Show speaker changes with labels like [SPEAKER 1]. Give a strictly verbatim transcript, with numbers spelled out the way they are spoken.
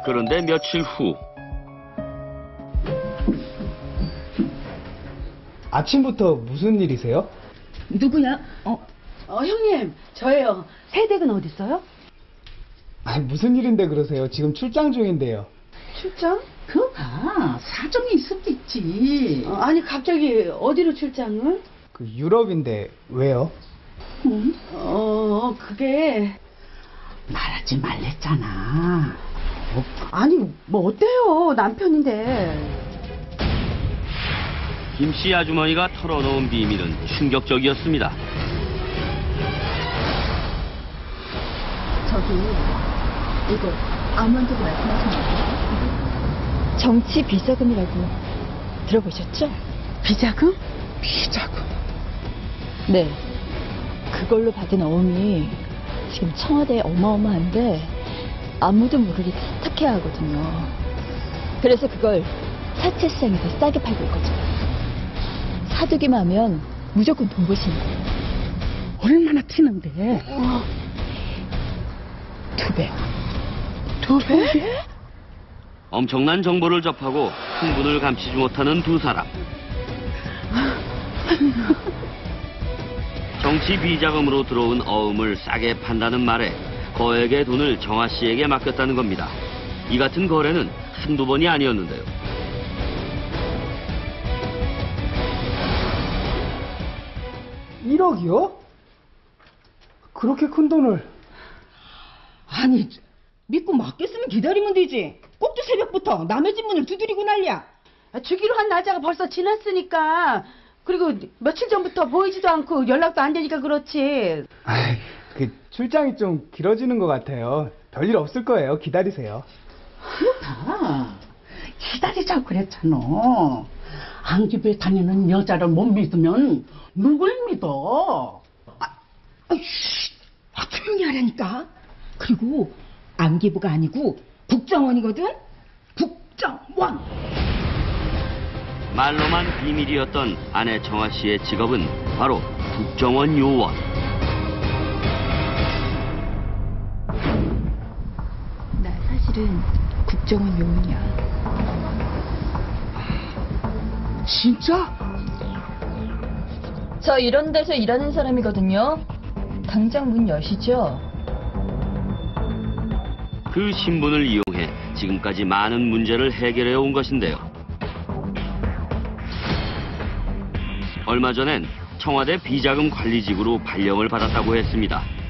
[SPEAKER 1] 그런데 며칠 후
[SPEAKER 2] 아침부터 무슨 일이세요?
[SPEAKER 3] 누구야? 어,
[SPEAKER 4] 어, 형님, 저예요. 새댁은 어디 있어요?
[SPEAKER 2] 아니, 무슨 일인데 그러세요? 지금 출장 중인데요.
[SPEAKER 4] 출장?
[SPEAKER 3] 그거 봐. 사정이 있었겠지.
[SPEAKER 4] 어, 아니, 갑자기 어디로 출장을?
[SPEAKER 2] 그 유럽인데 왜요?
[SPEAKER 3] 응?
[SPEAKER 4] 어, 그게...
[SPEAKER 3] 말하지 말랬잖아.
[SPEAKER 4] 어, 아니, 뭐 어때요? 남편인데.
[SPEAKER 1] 김 씨 아주머니가 털어놓은 비밀은 충격적이었습니다.
[SPEAKER 5] 저기 이거 아무한테도 말씀하시면 안 돼요? 정치 비자금이라고 들어보셨죠?
[SPEAKER 4] 비자금?
[SPEAKER 2] 비자금.
[SPEAKER 5] 네. 그걸로 받은 어음이 지금 청와대에 어마어마한데 아무도 모르게 세탁해야 하거든요. 그래서 그걸 사채 시장에서 싸게 팔고 있거든요. 사두기만 하면 무조건 돈 버시는 거예요.
[SPEAKER 3] 얼마나 튀는데?
[SPEAKER 5] 어, 두 배.
[SPEAKER 4] 두 배?
[SPEAKER 1] 엄청난 정보를 접하고 흥분을 감추지 못하는 두 사람. 정치 비자금으로 들어온 어음을 싸게 판다는 말에 거액의 돈을 정아 씨에게 맡겼다는 겁니다. 이 같은 거래는 한두 번이 아니었는데요.
[SPEAKER 2] 일억이요? 그렇게 큰 돈을.
[SPEAKER 3] 아니, 믿고 맡겼으면 기다리면 되지. 꼭두 새벽부터 남의 집 문을 두드리고 난리야.
[SPEAKER 4] 아, 주기로 한 날짜가 벌써 지났으니까. 그리고 며칠 전부터 보이지도 않고 연락도 안 되니까 그렇지.
[SPEAKER 2] 아이, 그 출장이 좀 길어지는 것 같아요. 별일 없을 거예요. 기다리세요.
[SPEAKER 3] 그렇다. 기다리자고 그랬잖아. 안기부에 다니는 여자를 못 믿으면 누굴 믿어? 아, 아이씨, 아, 조용히 하라니까. 그리고 안기부가 아니고 국정원이거든? 국정원!
[SPEAKER 1] 말로만 비밀이었던 아내 정아 씨의 직업은 바로 국정원 요원.
[SPEAKER 5] 나 사실은 국정원 요원이야.
[SPEAKER 3] 진짜?
[SPEAKER 5] 저 이런 데서 일하는 사람이거든요. 당장 문 여시죠?
[SPEAKER 1] 그 신분을 이용해 지금까지 많은 문제를 해결해 온 것인데요. 얼마 전엔 청와대 비자금 관리직으로 발령을 받았다고 했습니다.